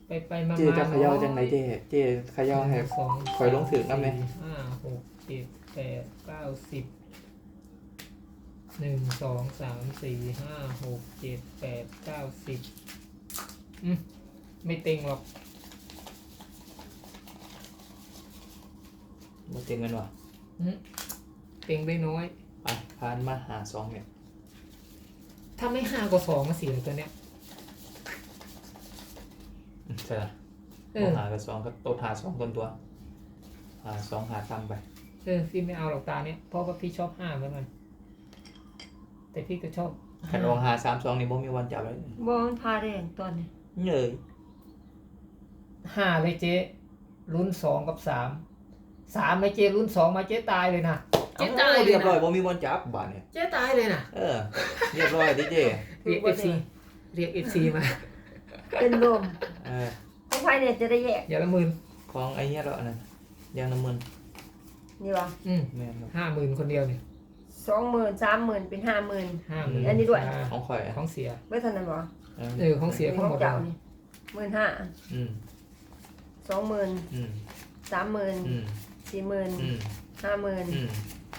ไปมาเจจะเขย่าจังไหนเจเขย่าให้สองคอยลงถึงน้ำไหมห้าหกเจ็ดแปดเก้าสิบหนึ่งสองสามสี่ห้าหกเจ็ดแปดเก้าสิบไม่เต็งหรอกมาเต็งกันวะเต็งได้น้อยไปพานมาหาสองเนี่ยถ้าไม่ห้ากว่าสองมาเสียตัวเนี้ยใช่ละเอต้อองหากับสองก็ตัวหาสองตัวหาสองหาตามไปพี่ไม่เอาหรอกตาเนี้ยเพราะว่าพี่ชอบห้าเหมือนกันแต่พี่ก็ชอบขันลองหาสามสองนี่บ่มีวันจับเลยบอมันพาแรงตอนนี้เงยห้าเลยเจ๊ลุ้นสองกับสามไม่เจ๊ลุ้นสองมาเจ๊ตายเลยนะเจ๊ตายเลเรียยบร้อยนะบ่มีวันจับบาทเนี่ยเจ๊ตายเลยนะเรียบร้อยดิเจเรียกเอฟซีมาเป็นลมเออของไฟเนี่ยจะได้แยกอย่าละหมื่นของไอ้เนี้ยแล้วนะยางน้ำมันนี่วะแม่นครับ 50,000คนเดียวเนี่ย 20,000 30,000เป็น50,000 50,000 อันนี้ด้วยของข่อยของเสียไม่ทันนั้นบ่ของเสียทั้งหมดเจ้าเลยนี่15,000 อืม 20,000 อืม 30,000 อืม 40,000 อืม 50,000 อืม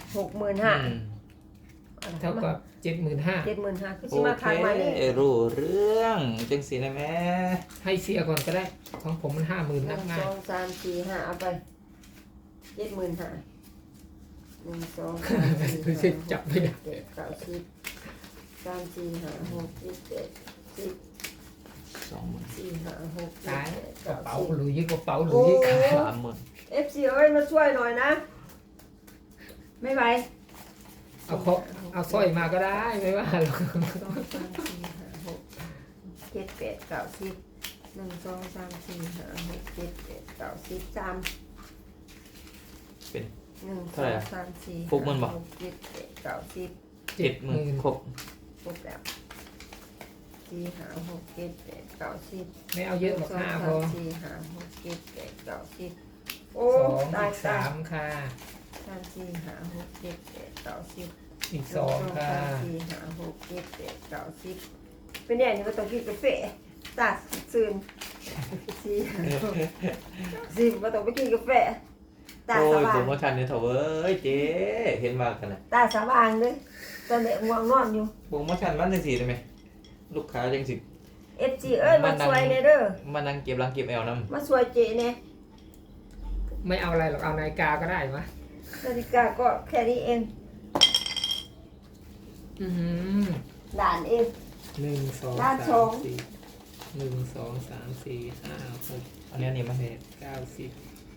65,000 เท่ากับ75,000 75,000คือโอสิมาเคค้างมานี่รู้เรื่องจังสีนะแม่ให้เสียก่อนก็ได้ ของผมมัน50,000นับง่าย 1 2 3 4 5เอาไป75,000 1 2 3 4 ไม่ใช่จับไม่ได้ 5 6 7 8 9 10 3 4 5 6 7 8 10 20,000 4 5 6 ตาย 7 กระ 8 เป๋า 9 หรือยิ่งกระเป๋าหรือยิ่งขา 10 FC เอ้ยมาช่วยหน่อยนะ ไม่ไหวเอาสร้อยมาก็ได้ไม่ว่าหรอก 2 3 4 5 6 7 8 9 10 1 2 3 4 5 6 7 8 9 10 3 เป็น 1 เท่าไหร่อะ 2 3 4 ฟุกมันบ่ 6 7 8 9 10 70,000ครบครบแล้ว4 5 6 7 8 9 10 ไม่เอาเยอะหรอก5พอ 4 5 6 7 8 9 10โอ้สองตายอีกตาย 3ค่ะ 3 4 5 6 7 8 9 10 อีก2ค่ะ 4 5 6 7 8 9 10เป็นอย่างนี้ก็ต้องกินกาแฟตาซึน4 10ก็ต้องไปกินกาแฟตาโอ้สยว่าโปรงโมชั่นเนี่ยเถอะเว้ยเจ๊เห็นมากันนะตาสว่างเลยตอนนี้ง่วงนอนอยู่โปรโมชั่นมันจังสีได้ไหมลูกค้าจังสิ FG เอ้ยมาช่วยเนเด้อมานั่งเก็บรังเก็บแอลน้มาช่วยเจเนี่ยไม่เอาอะไรหรอกเอานาฬิกาก็ได้มะนาฬิกาก็แค่นี้เองอือหือด่านเอง 1 2 ด้านสอง 3 4 1 2 3 4 5 6 ำอันนี้นี่มา 8 9 10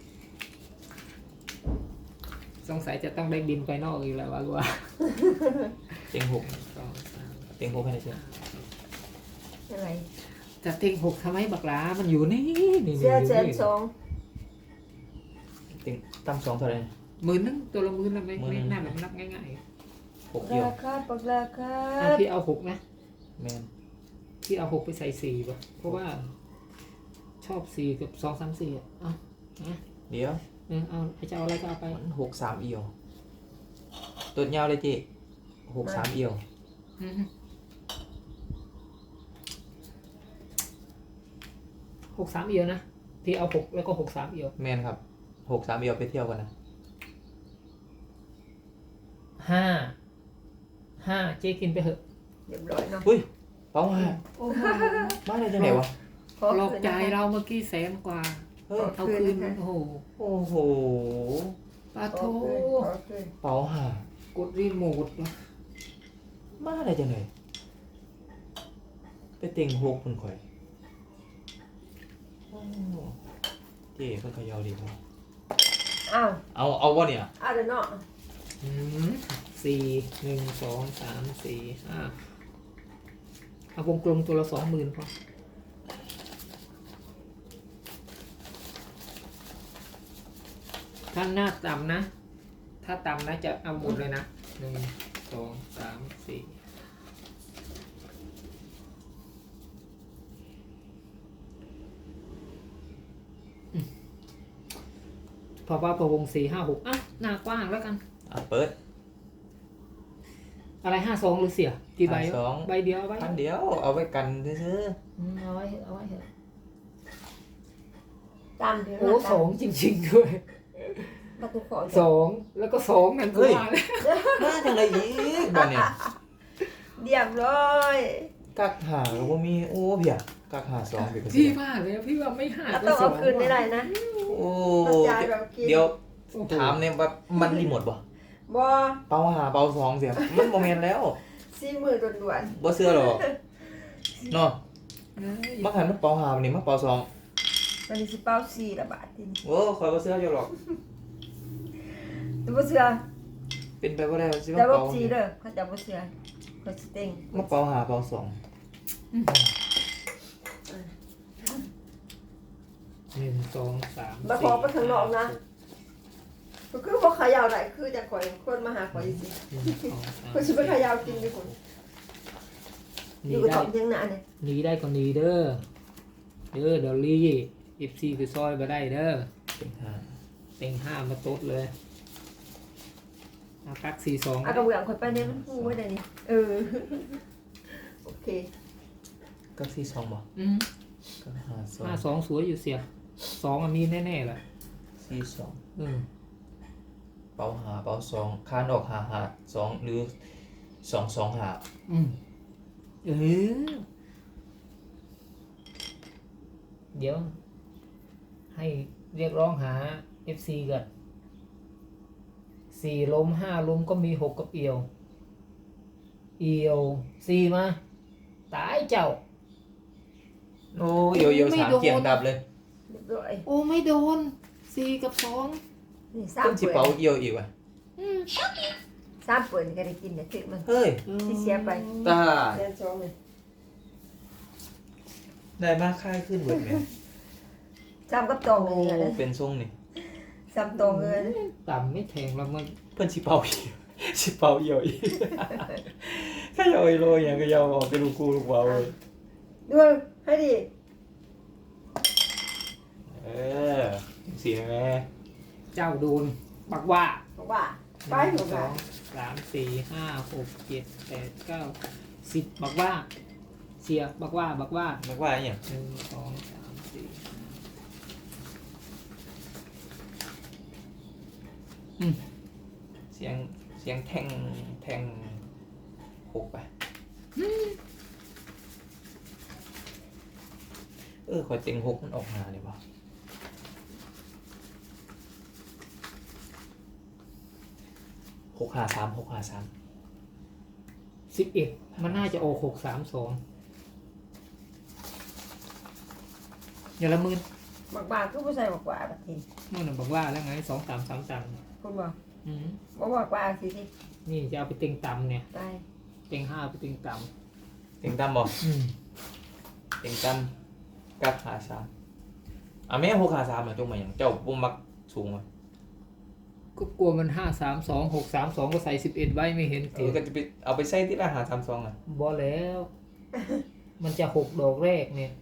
สงสัยจะต้องได้บินไปนอกอีกแล้ววะกูว่าเต็งหก 2 3 เต็งหกให้ได้เชื่ออะไรจะเต็ง6ทำไมบักหลามันอยู่นี่นี่เสื้อแสนสองเต็งตั้มสองเท่าไหร่ 10,000ตัวละ10,000แล้วไม่ 10,000 ไม่น่าแบบนับง่ายหกเดียวราคาปักราคาๆอ่ะพี่เอา6นะแมนพี่เอา6ไปใส่4ป่ะเพราะว่า ชอบ4กับ2 3 4อ่ะเอาเดี๋ยวเอาจะเอาอะไรก็เอาไปมัน63เอียวตัวยาวเลยเจ๊63เอียว 63เอียวนะพี่เอา6แล้วก็63เอียวแมนครับ63เอียวไปเที่ยวกันนะ 5เจ๊กินไปเถอะเรียบร้อยเนาะอุ้ยเป้ามาโอ้โหมาได้จังไหนวะขอหลอกคืนใจนะคะเราเมื่อกี้แสนกว่าเฮ้ยเอาคืนโอ้โหโอ้โหปาขโทอคืนขอคืนเป้าหากดรีโมทวะมาได้จังไหนไปเต็งหกมันข่อยโอ้เจ๊เพิ่นเขยาวดีครับอ้าวเอาวะเนี่ยอ้าวเดี๋ยวเนาะ 4 1 2 3 4 5เอาวงกลมตัวละ20,000พอถ้าหน้าต่ำนะ ถ้าต่ำนะจะเอาหมดเลยนะ1 2 3 4พอว่าประวง4 5 6อ่ะหน้ากว้างแล้วกันเปิดอะไร52หรือเสียกี่ใบวะ 52 ใบเดียวเอาไว้พันเดียวเอาไว้กันซื้อเอาไว้เถอะเอาไว้เถอะตามเดี๋ยวโอ้สองจริงๆด้วยประตูขอสองแล้วก็สองนั่นก็มาแล้วมาจังไรอีกบ้านเนี่ยเรียบร้อยกักหาก็บ่มีโอ้เพียกักหาสองเพียก็พี่สิว่าแล้วพี่ว่าไม่หาเราก็ต้องสอเอางคืนไม่ได้นะโอ้ต้องจ่ายแบบกินเดี๋ยวถามเนี่ยว่ามันรีโมทบ่บ่เป่าหาเป่าสองเสียมันบ่แม่นแล้ว 40,000ด่วนบ่เชื่อหรอกเนาะเอ้ยมาหันมาเป่าหาวันนี้มาเป่าสองๆวันนี้สิเป้า4ละบาททีนี้โอ้คอยบ่เชื่ออยู่หรอกแต่บ่เชื่อเป็นไปบ่ได้สิแต่มาบ่เป่า 4เด้อเขาจะบ่เชื่อเขาสิเต็งมาเป่าหาเป่าสองหนึ่งสองสามบ่ขอไปข้างนอกนะก็คือบ่เขย่าได้คือจะข่อยคนมาหาข่อยสิหนึ่งสองสามข่อยสิไปเขย่ากินดิคนอหนียู่กับได้ตอมเทียงหน้าเนี่ยหนีได้ก็หนีเด้อเดี๋ยวลี่14คือซอยมาได้เด้อเป็นหาเต็งห้ามาตดเลยเอากัก4 2 อ่ะกระเบื้องข่อยไปเนี่ยมันฮู้ไว้ได้นี่โอเคกักสี่สองบ่อืมกักหาสอง 52สวยอยู่เสียสองมีแน่ๆแหละสี่สองอืมเป่าหาเป่าสองคานออกหาหาสองหรือสองสองหาอืมเออเดี๋ยว ให้เรียกร้องหา FC ก่อน4ล้ม5ล้มก็มี6กับเอียว4มาตายเจ้าโอ้เอียวไม่สามโดนเกี่ยงดับเลยเรียบร้อยโอ้ไม่โดน4กับ2 นี่เพิ่นสิเป่าเอียวอีกว่ะ 3เปิดนี่ก็ได้กินเนี่ยถึกมันเฮ้ยที่เสียไปตาเดือน2นี่ได้มากค่ายขึ้นเบิดแม่ 3กับตองโอ้นี่นะเป็นทรงนี่ 3ตองเลยนะต่ำไม่แทงแล้วมันเพิ่นสิเป่าอีก สิเป่าเอียวอีก ก็ยาวอีโลอย่างก็ยาวออกไปลูกกูลูกเบาเลยด้วยให้ดิเออเสียแม่เจ้าโดนบักว่าบอกว่าไปหหนึ่นูงสกัอน งสามสี่ห้าหกเจ็ดแปดเก้า10บักว่าเสียบักว่านึกว่าอหย่างหนึ่งสองสามสี่อืมเสียงแทงหกไปขอยเต็งหกมันออกมาเนี่ยวะ653 11มันน่าจะโอ632อย่าละหมื่นบอกว่าคือผู้ชายบอกว่าบัดนี้มื่อน่ะบอกว่าแล้วไง2333 คุณบอกอืมบอกว่าสิสินี่จะเอาไปเต็งต่ำเนี่ยไปเต็งห้าไปเต็งต่เต็งตั้มบ่ำอืมเต็งตั้มกับหาสามแม่653จงมาอย่างเจ้าบ่มักสูงว่ะก็กลัวมัน532 632ก็ใส่11ไว้ไม่เห็นเสียก็จะไปเอาไปใส่ที่ละ532อ่ะบอแล้ว มันจะ6ดอกแรกเนี่ย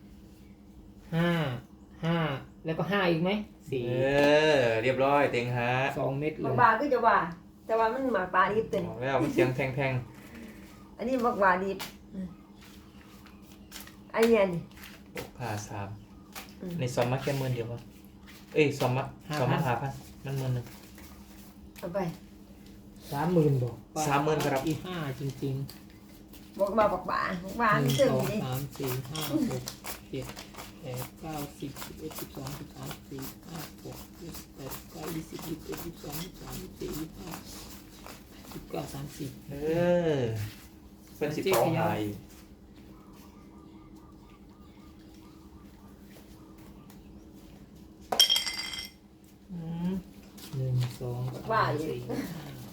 5แล้วก็5อีกไหม4 เรียบร้อยเต็งหา 2 เม็ดเลบอกยว่าคือจะว่า แต่ว่ามันหมากปลาดิบเต็มบอกแล้วมันเสียงแทงอันนี้บอกว่าดิบอันเนี้ยนี่ 653ในซอมมาแค่10,000เดียวป่ะซอมมา5,000มัน10,000นึงเอาไป 30,000บอก 30,000ครับอีห้าจริงบอกว่าบอกว่าบอกว่าๆมัน 1 ซึ่ง 2 นี่ 3 4 5 6 7 8 9 10 11 12 13 14 15 16 17 18 19 20 21 22 23 24 25 29 30 เป็นสิเป่าหาย 1 2 3 4 5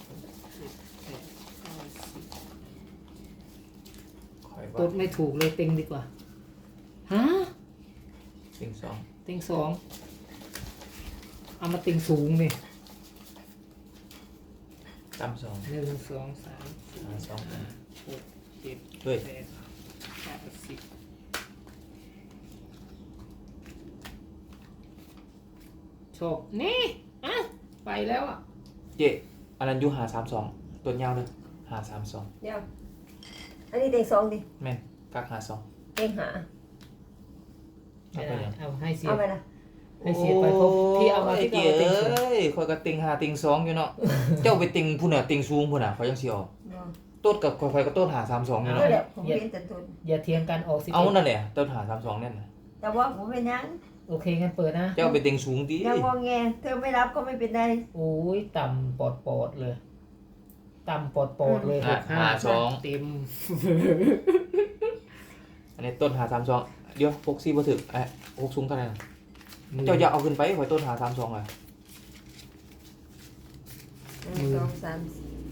คอย 6 7 8 9 10 ว่าตดไม่ถูกเลยเต็งดีกว่า ฮะเต็งสองเต็งสองเอามาเต็งสูงนี่ตั้มสอง 1 2 3 4 หาสอง 5 6 7 เฮ้ย 8 9 10โชคนี่อ่ะไปแล้วอ่ะเจ๊อันนั้นอยู่532ตัวยาวเลย532 เดี๋ยวอันนี้เต็งสองดิแม่นกัก52 เต็งหาเอาไปยังเอาให้เสียเอาไปนะให้เสียไปเพราะพี่เอามาที่เก๋เราเต็งสูงเอ้ยคอยก็ติงหาติงสองอยู่เนาะ เจ้าไปติงผู้น่ะติงสูงผู้น่ะเขายังสิออกบ่ต้นกับคอยก็ต้นหา32อยู่ก็เนาะเดี๋ยวผมเป็นแต่ตุนอย่าเทียงกันออกสิเอานั่นแหละต้นหา32นั่นน่ะแต่ว่าผมเป็นยังโอเคงั้นเปิดนะเจ้าไปติงสูงติยังงอแงเธอไม่รับก็ไม่เป็นไรโอ้ยต่ำปอดปอดเลยต่ำปอดปอดเลยอ่ะเต็มอันนี้ต้นหา32เดี๋ยว64บ่ถึก6สูงเท่าไหร่น่ะเจ้าอย่าเอาขึ้นไปข่อยต้นหา32อ่ะ 1 2 3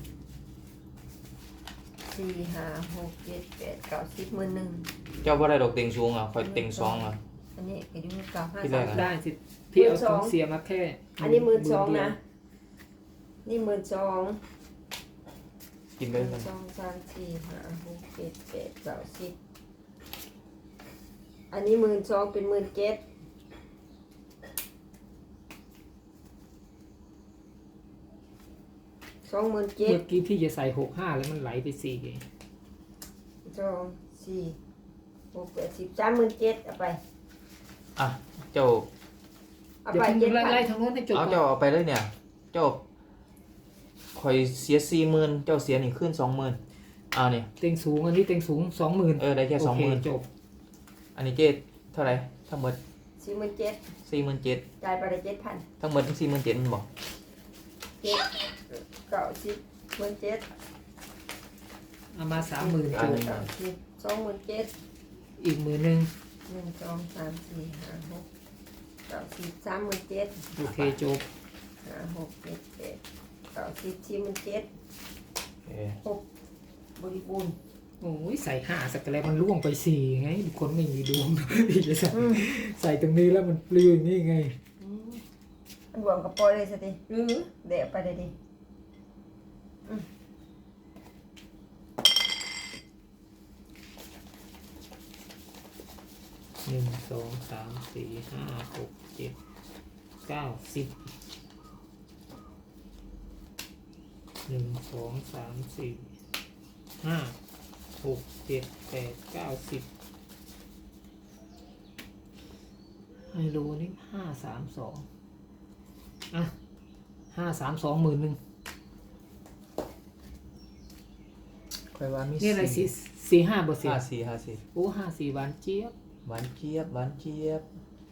4 5 6 7 8 9 10หมื่นหนึ่งเจ้าบ่ได้ดอกติงสูงอ่ะข่อยติงสองอ่ะอันนี้อายุเก่าห้าที่แรสาก มอะได้สิพี่เอาของเสียมาแค่อันนี้12,000นะนี่12,000 กินไป 1 เลย 2 3 4 5 6 7 8 9 10อันนี้12,000เป็น17,000 27,000 เมื่อกี้พี่จะใส่65แล้วมันไหลไป4ไง 2 4 6 8 10 37,000เอาไปอ่ะเจ้าเอาเดี๋ยวไปพี่ไล่ 7,000 ทางโน้นให้จบเอาก่อนเจ้าเอาไปเลยเนี่ย เจ้าข่อยเสีย40,000เจ้าเสียนี่ขึ้น20,000นี่เต็งสูงอันนี้เต็งสูง 20,000 ได้แค่โอเค 20,000 จบอันนี้เจ๊เท่าไหร่ทั้งหมด 47,000 47,000 จ่ายไปได้7,000 ทั้งหมด47,000มันบอก 7 9 10 17,000 เอามา 30,000จบ 27,000 อีก10,000 1 2 3 4 5 6 9 10 37,000 โอเคจบ 5 6 7 8 9 10 47,000 โอเคบริบูรณ์โอ้ยใส่5สักแล้วมันล่วงไป4ไงคนไม่มีดวง พี่จะใส่ตรงนี้แล้วมันปลิวอย่างนี้ไงอันรวมกับปอยเลยสิทีเดี๋ยวไปเลยดิ 1 2 3 4 5 6 7 9 10 1 2 3 4 5 6 7 8 9 10ไฮโลนี่532อ่ะ532 10,000 ค่อยว่ามีนี่อะไรสี่ห้าเปอร์เซ็นต์ 54 โอ้54หวานเจี๊ยบหวานเจี๊ยบหวานเจี๊ยบ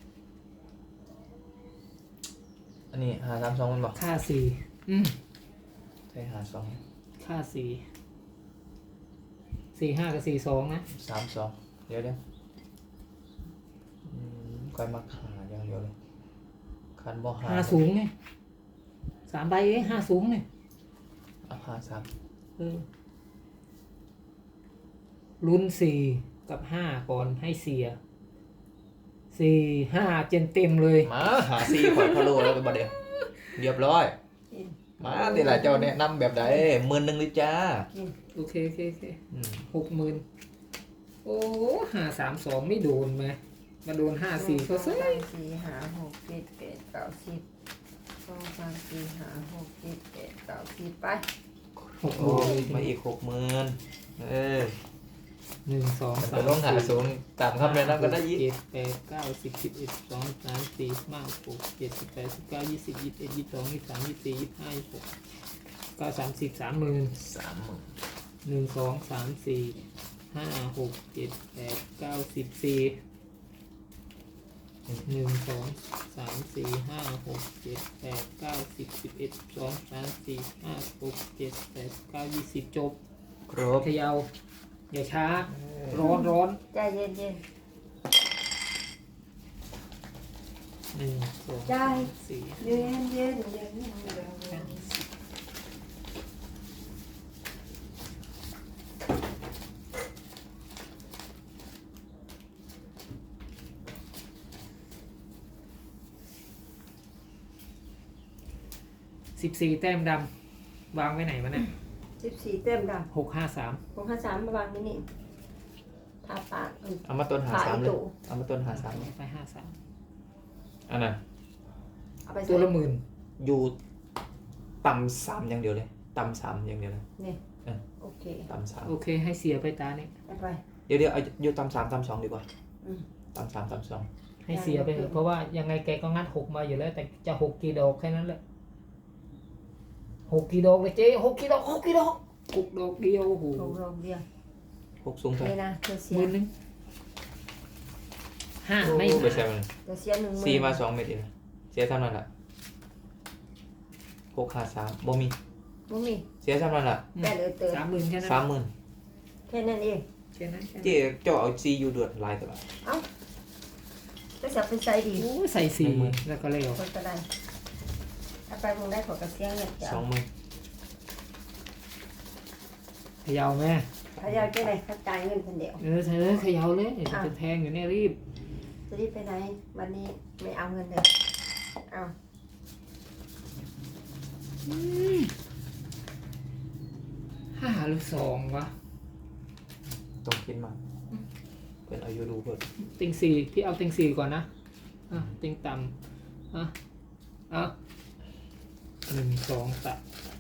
อันนี้532มันบอกค่า4 ใช่52 ค่า4 45กับ42นะ 32เดี๋ยวค่อยมาหาอย่างเดียวเลยคันบ่หา 5สูงไง3ใบเอง5สูงไงเอา53 เออลุ้น4กับ5ก่อนให้เสีย4 5เต็มเลยมาหาซีข่อยพะโล้แล้วไปบ่เดียวเรียบร้อยกินมาแต่ละเจ้าแนะนำแบบใด10,000เลยจ้ากินโอเคอืม 60,000โอ้532ไม่โดนไหมมาโดน54เขาซะ 1 2 3 4 5 6 7 8 9 10 2 3 4 5 6 7 8 9 10ไปโอ้ยมาอีก60,000 1 2 มัน 3 จะต้องหาศูนย์ตามคำแนะนำกันได้ยี่ 7 8 9 10 11 12 13 14 15 16 17 18 19 20 21 22 23 24 25 26 9 30 30,000 30,000 1 2 3 4 5 6 7 8 9 10 4 1 2 3 4 5 6 7 8 9 10 11 12 13 14 15 16 17 18 19 20จบครบเขยาวอย่าช้า ร้อนใจเย็น 1 2 ได้ 3 4 ๆเย็นเย็น 14 แต้มดำวางไว้ไหนวะเนี่ย 14เต็มดำ 653 ผม53มาวางนี่นี่ทาปากเอามาต้นหาขาย 3เลยตู่เอามาต้นหา3 ไป53 อันน่ะเอาไปตัวละหมื่นอยู่ต่ำ3อย่างเดียวเลยต่ำ3อย่างเดียวเลยนี่เออโอเคต่ำโอเคให้เสียไปตาเนี่ยเอาไป 3เดี๋ยวเอาอยู่ต่ำ3ต่ำ2ดีกว่าอืมต่ำ3ต่ำ2 ให้เสียไปเถอะเพราะว่ายังไงแกก็งัดหกมาอยู่แล้ว แต่จะหกกี่ดอกแค่นั้นแหละหกกี่ดอกเลยเจ๊หกกี่ดอกหกกี่ดอกหกดอกเดียวโอ้โหลงลงเดียวหกสูงเท่าไหร่นี่นะเธอเสียหมื่นหนึ่งห้าไม่โอ้ไปหาใช่มันเธอเสียหนึ่งหมื่นสี่มา2เม็ดเองเสียเท่านั้นแหละหกหาสามบ่มีบ่มีเสียเท่านั้นแหละแปดเติร์ 30,000แค่นั้น 30,000 แค่นั้นเองแค่นั้นแค่นั้นเจ๊เจ้าเอาซีอยู่เดือดลายตลอดเอ้าจะสับเป็นใจดีโอ้ยใส่สี่แล้วก็เร็วคนก็ได้ถ้าไปมึงได้ขอกระเสียงเงินจ้ะ 20,000 เขย่าแม่เขาอยากจะได้เขาจ่ายเงินคนเดียวเธอเขย่าเลยเดี๋ยวจะแทงอยู่เนี่ยรีบจะรีบไปไหนวันนี้ไม่เอาเงินเลยเอาห้าหรือสองวะต้องคิดมาเพิ่นเอาอยู่ดูเพิ่นติงสี่พี่เอาติงสี่ก่อนนะอ่ะติงต่ำอ่ะหนึ่งสองสาม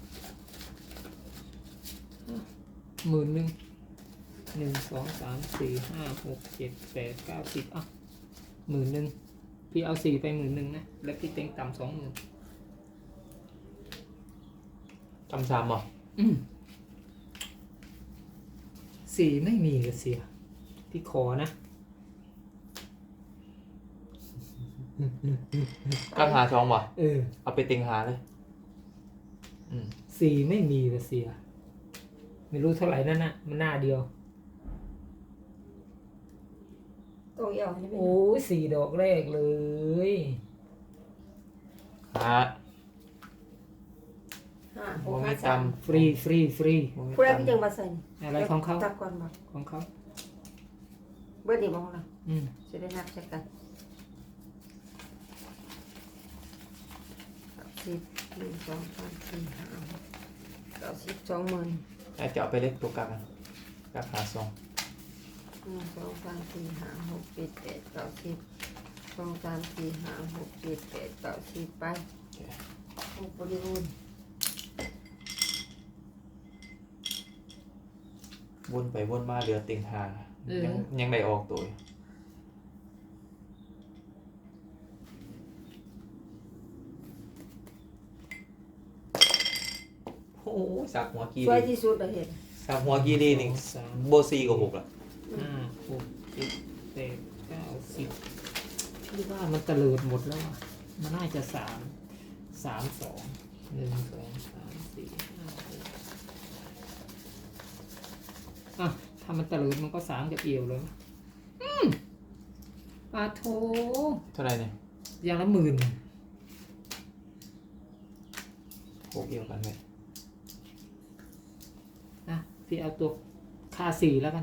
หมื่นหนึ่งหนึ่งสองสามสี่ห้าหกเจ็ดแปดเก้าสิบอ่ะหมื่นหนึ่งพี่เอาสี่ไป10,000นะแล้วพี่เต็งต่ำ20,000 จำซ้ำบ่สี่ไม่มีก็เสียพี่ขอนะกักหาสองบ่เออเอาไปติงหาเลยอืมสี่ไม่มีก็เสีย ไม่รู้เท่าไหร่นั่นนะมันหน้าเดียวตรงเอวนี่ไม่โอ้ยสี่ดอกแรกเลยหาห้าหบ่กมีห้าจสามฟรีฟรีฟรีำบ่มีผู้ใดก็จำยังมาใส่อะไรของเขาจับก่อนบอกของเขาเบิร์ดดีมองเราอืมจะได้นับใช้กันสิบหนึ่งสองสามสี่ห้าหกเก้าสิบ20,000 อาจจะเอาไปเล็กตัวกักอะกักหาสองหนึ่งสองสามสี่ห้าหกเจ็ดแปดเก้าสิบสองสามสี่ห้าหกเจ็ดแปดเก้าสิบไปหกบริบูรณ์วนไปวนมาเหลือติงหายังได้ออกตัวอยู่โอ้โหสักหัวกีสวยดีที่สุดเราเห็นสักหัวกีดีนี่สามโบซีกับหกละห้าหกเจ็ดแปดเก้าสิบพี่ว่ามันตะเลิดหมดแล้วอ่ะมันน่าจะสามสองหนึ่งสองสามสี่ห้าหกอ่ะถ้ามันตะเลิดมันก็สามกับเอียวเลยปาโทเท่าไหร่เนี่ยอย่างละ10,000 หกเอียวกันไหมนะพี่เอาตัวค่าสี่แล้วกัน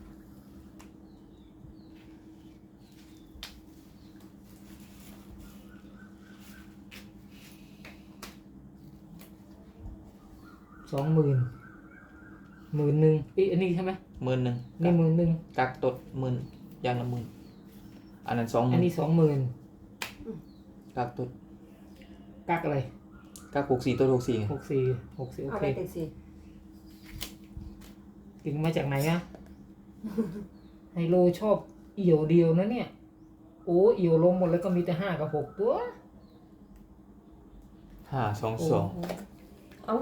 20,000 10,000อีอันนี้ใช่ไหม 10,000 นี่10,000 กักตด10,000อย่างละ10,000อันนั้นอันนี้ 20,000 กักตด 20,000กักอะไรกัก64ตัว64ไง 64โอเอาเคไปติดสิถึงมาจากไหนอะ ไฮโลชอบเอี่ยวเดียวนะเนี่ย โอ้เอี่ยวลงหมดแล้วก็มีแต่5 กับ 6 ตัว 5 2 โอ้ 2 โหเอา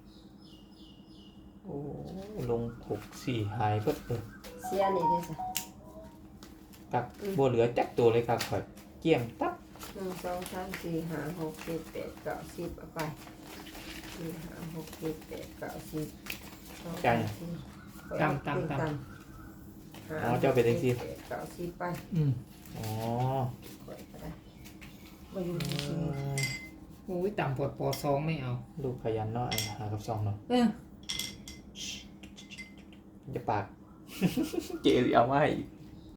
โอ้ลง64หายเบิดเลยเสียนี่เด้อสิกักบ่เหลือจักตัวเลยกักข่อยเกี่ยงตับหนึ่งสองสามสี่ห้าหกเจ็ดแปดเก้าสิบเอาไปสี่ห้าหกเจ็ดแปดเก้าสิบสองสามสี่ตำอ๋อเจ้าเป็นจังซี่เจ็ดเก้าสิบไปอืมอ๋อข่อยก็ได้มาอยู่อืที่มโอ้ยต่ำปวดปอซองไม่เอาลูกขยันเนาะไอ้หากับ2เนาะเออจะปาก เกลีเอามาให้อีก